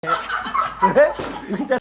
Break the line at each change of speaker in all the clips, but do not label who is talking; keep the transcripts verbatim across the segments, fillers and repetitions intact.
왜? 의자.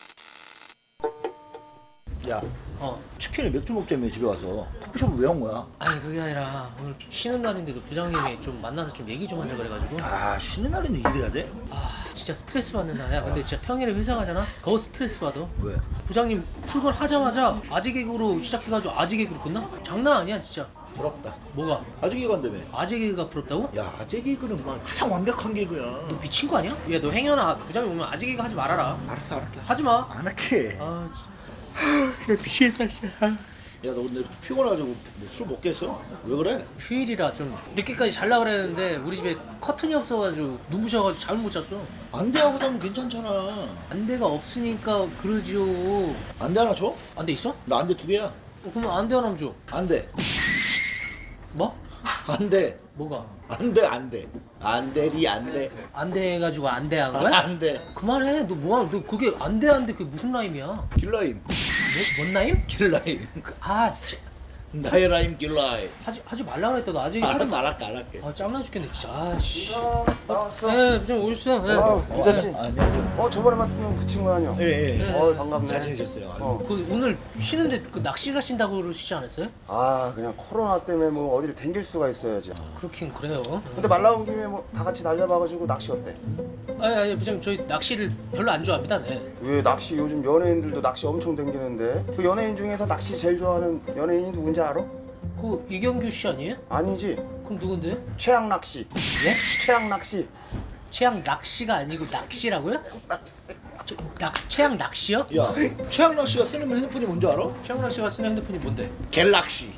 야,
어.
치킨을 맥주 먹자며 집에 와서 커피숍을 왜 온 거야?
아니 그게 아니라 오늘 쉬는 날인데도 부장님이 좀 만나서 좀 얘기 좀 하자 그래가지고
아, 쉬는 날인데 일해야 돼?
아 진짜 스트레스 받는 날이야. 근데 진짜 평일에 회사 가잖아? 더 스트레스 받아.
왜?
부장님 출근하자마자 아재 개그로 시작해가지고 아재 개그로 끝나? 장난 아니야 진짜.
부럽다.
뭐가?
아재 개그 한다며?
아재 개그가 부럽다고?
야, 아재 개그는 막 가장 완벽한 개그야.
너 미친 거 아니야? 야 너 행여나 부장님 오면 아재 개그 하지 말아라.
알았어, 알았게.
하지마.
안 할게.
아 진짜.
나 미치겠다. 야, 너 오늘 피곤해가지고 술 먹겠어? 왜 그래?
휴일이라 좀 늦게까지 잘라 그랬는데 우리 집에 커튼이 없어가지고 눈부셔가지고 잠을 못 잤어.
안대하고 자면 괜찮잖아.
안대가 없으니까 그러지요.
안대 하나 줘?
안대 있어?
나 안대 두 개야.
어, 그럼 안대 하나 줘.
안대.
뭐?
안대.
뭐가?
안돼 안돼 안돼리 안돼
안대 해가지고 안대 한 거야?
안돼
그만해. 너 뭐야? 너 그게 안돼 안돼 그게 무슨 라임이야?
길라임
뭐, 뭔 라임?
길라임
아 진짜
나의 라임 길라임.
하지 하지 말라 그랬다. 너 아직 하지
알았어
마.
알았게 알았게.
아 짱나 죽겠네 진짜. 아씨.
나왔어.
네, 좀 오셨어요. 네.
아, 늦었지?
아니요.
어, 저번에 만난 그 친구 아니야?
예예.
네.
어, 반갑네.
잘 지내셨어요?
어.
그 오늘 쉬는데 그 낚시 가신다고 그러시지 않았어요?
아, 그냥 코로나 때문에 뭐 어디를 댕길 수가 있어야지.
그렇긴 그래요.
근데 말 나온 김에 뭐 다 같이 날려봐가지고 낚시 어때?
아니 아니 부장님 저희 낚시를 별로 안 좋아합니다. 네.
왜 낚시 요즘 연예인들도 낚시 엄청 댕기는데 그 연예인 중에서 낚시 제일 좋아하는 연예인이 누군지 알아?
그 이경규 씨 아니에요?
아니지.
그럼 누군데요?
최양 낚시.
예?
최양 낚시.
최양 낚시가 아니고 낚시라고요? 저, 낚 최양 낚시요?
야, 최양락 씨가 쓰는 핸드폰이 뭔지 알아?
최양 낚시가 쓰는 핸드폰이 뭔데?
갤럭시.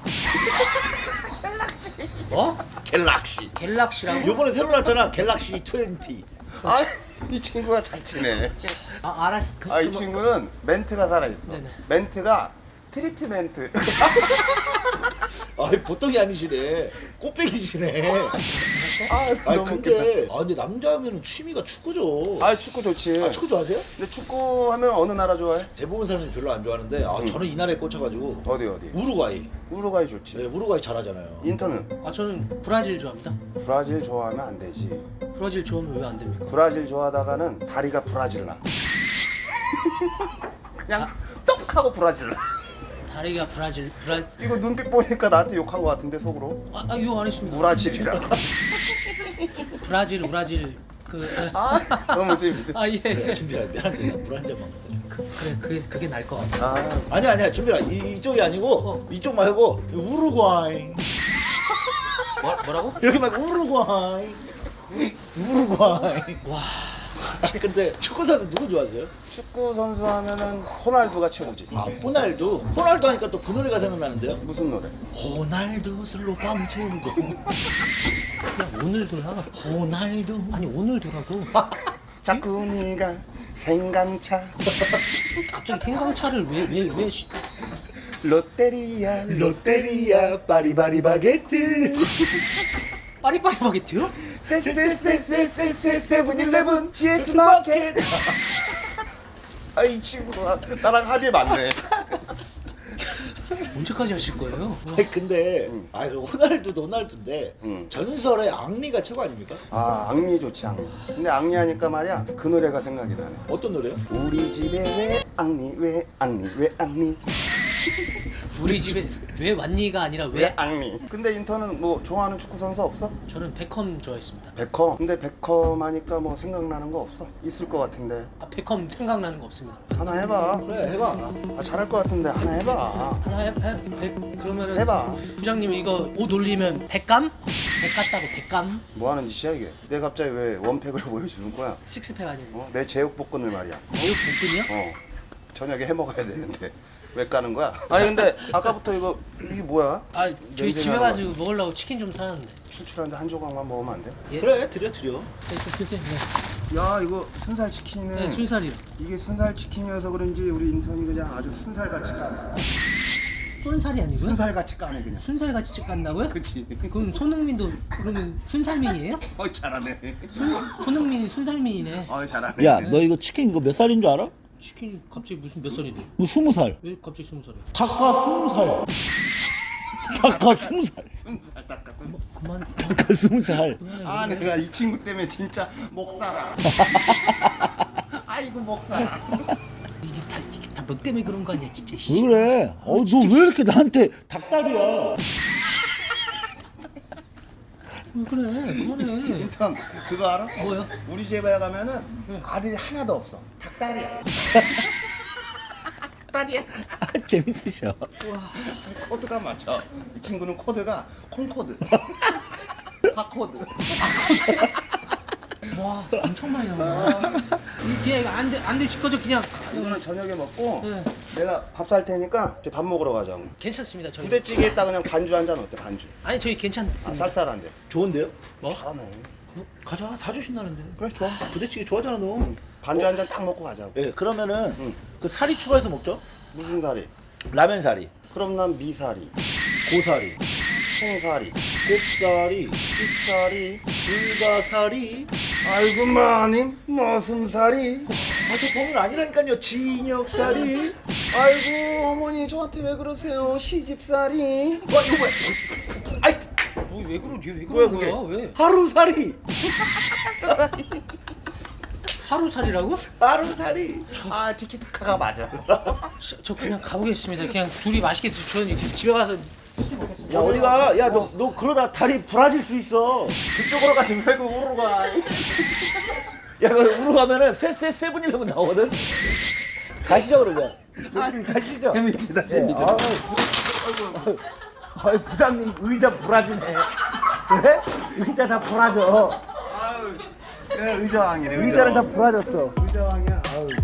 뭐?
갤럭시.
갤럭시라고?
요번에 새로 나왔잖아. 갤럭시 이십.
아, 이 친구가 잘 치네.
아 알았어. 그,
아, 이
그거-
친구는 멘트가 살아있어.
네네.
멘트가 트리트멘트.
아니 보통이 아니시네. 꽃배기시네.
아,
아니
너무 웃기다.
근데 아 근데 남자면은 취미가 축구죠.
아, 축구 좋지.
아, 축구 좋아하세요?
근데 축구 하면 어느 나라 좋아해?
대부분 사람들이 별로 안 좋아하는데 아 저는 이 나라에 꽂혀가지고
어디 어디?
우루과이.
우루과이 좋지.
네, 우루과이 잘하잖아요.
인터는
아 저는 브라질 좋아합니다.
브라질 좋아하면 안 되지.
브라질 좋아하면 왜 안 됩니까?
브라질 좋아하다가는 다리가 브라질 나. 그냥 똑 하고 브라질 나.
다리가 브라질 브라
이거 눈빛 보니까 나한테 욕한 것 같은데 속으로.
아, 아 이거 안 했습니다.
브라질이라고.
브라질 브라질 그
아, 너무 재밌네.
아 예.
그래, 준비라 미안한데 물 한 잔만 갖다 줘.
그, 그래 그게 그게 나을 것 같아.
아,
아니야 아니야 준비라 이, 이쪽이 아니고
어.
이쪽 말고 우루과이.
뭐, 뭐라고?
여기 말고 우루과이. 우루과이.
와
근데 축구 선수 누구 좋아하세요?
축구 선수 하면은 호날두가 최고지.
아 호날두. 호날두 하니까 또 그 노래가 생각나는데요.
무슨 노래?
호날두 슬로 밤 채우고.
야 오늘도야.
호날두.
아니 오늘도라고.
자꾸 네가 생강차
갑자기 생강차를 왜왜왜
롯데리아
롯데리아 파리바리 바게트.
빠리빠리 바게트요?
세세세세세세 세븐일레븐 지에스 마켓. 아, 이 친구가 나랑 합이 맞네.
언제까지 하실 거예요?
아니 근데 아 그 호날두도 호날두인데
응.
전설의 앙리가 최고 아닙니까?
아, 앙리 좋지, 앙리. 근데 앙리 하니까 말이야, 그 노래가 생각이 나네.
어떤 노래요?
우리 집에 왜 앙리 왜 앙리 왜 앙리
우리 집에 왜 왔니가 아니라
왜
왜?
앙리. 근데 인턴은 뭐 좋아하는 축구 선수 없어?
저는 베컴 좋아했습니다.
베컴. 근데 베컴 하니까 뭐 생각나는 거 없어? 있을 것 같은데.
아 베컴 생각나는 거 없습니다.
하나 해봐.
그래 해봐.
아, 잘할 것 같은데 하나 해봐.
하나 해, 해, 해 그러면은
해봐.
부장님 이거 옷 올리면 백감? 백 같다고 백감?
뭐 하는 짓이야 이게? 내가 갑자기 왜 원팩으로 보여주는 거야?
식스팩 아니고
어? 내 제육볶음을 말이야.
매우 볶음이요?
어. 저녁에 해 먹어야 되는데 왜 까는 거야? 아니 근데 아까부터 이거 이게 뭐야?
아 저희
냄새
집에
나는
가지고 먹으려고 치킨 좀 사놨는데.
출출한데 한 조각만 먹으면 안 돼?
예?
그래 드려 드려.
네, 좀 드세요. 네.
야 이거 순살 치킨은
네 순살이요.
이게 순살 치킨이어서 그런지 우리 인턴이 그냥 아주 순살같이 까네.
순살이 아니고요?
순살같이 까네 그냥.
순살같이 찍간다고요?
그치.
그럼 손흥민도 그러면 순살민이에요?
어 잘하네.
순, 손흥민이 순살민이네.
어 잘하네.
야 너 이거 치킨 이거 몇 살인 줄 알아?
치킨 갑자기 무슨 몇 살인데?
뭐 스무 살.
왜 갑자기 스무 살이야?
닭가 스무 살. 닭가 스무 살.
순살 닦았어.
그만.
닭가 스무 살.
아 내가 이 친구 때문에 진짜 목 살아. 아이고 목사.
이게 다 이게 다 너 때문에 그런 거 아니야 진짜. 씨.
왜 그래? 어, 너 왜 이렇게 나한테 닭다리야?
왜 그래? 그만해.
일단 그거 알아?
뭐요?
우리 집에 가면은 아들이 하나도 없어. 닭다리야. 닭다리야.
재밌으셔.
코드가 맞죠. 이 친구는 코드가 콩코드. 팝코드.
와 엄청 많이 나와. 이게 안돼안 드실 거죠 그냥.
이거는 저녁에 먹고
네.
내가 밥 살 테니까 이제 밥 먹으러 가자.
괜찮습니다 저희.
부대찌개에다 그냥 반주 한 잔 어때? 반주.
아니 저희
아,
괜찮습니다.
쌀쌀한데.
좋은데요?
뭐?
잘하네.
가자, 사주신다는데.
그래 좋아.
부대찌개 좋아하잖아 너.
반주 한 잔 딱 먹고 가자고.
예, 그러면은
응.
그 사리 추가해서 먹죠.
무슨 사리?
라면 사리,
그럼 난 미사리,
고사리,
통사리,
곱사리,
삑사리.
불가사리.
아이고 마님 머슴사리.
아, 저 범인 아니라니까요. 진역사리.
아이고 어머니 저한테 왜 그러세요? 시집살이.
와, 이거 뭐야? 아이,
뭐왜 그러 왜
뭐야,
그러는
그게?
거야 왜?
하루사리.
하루살이라고?
하루사리.
아 티키타카가 맞아.
저, 저 그냥 가보겠습니다. 그냥 둘이 맛있게 드- 저는 이제 집에 가서
야, 어디가? 야, 너, 너 그러다 다리 부러질 수 있어.
그쪽으로 가지 말고 우로 가.
야, 그 우로 가면은 세세 세븐일레븐 나오거든. 가시죠 그러면. 저희 가시죠.
재밌다,
예,
재밌다.
아유, 부- 아유, 부장님 의자 부라지네. 왜? 의자 다 부라져.
아유, 그래 의자왕이네.
의자를 다 부라졌어.
의자왕이야. 아유.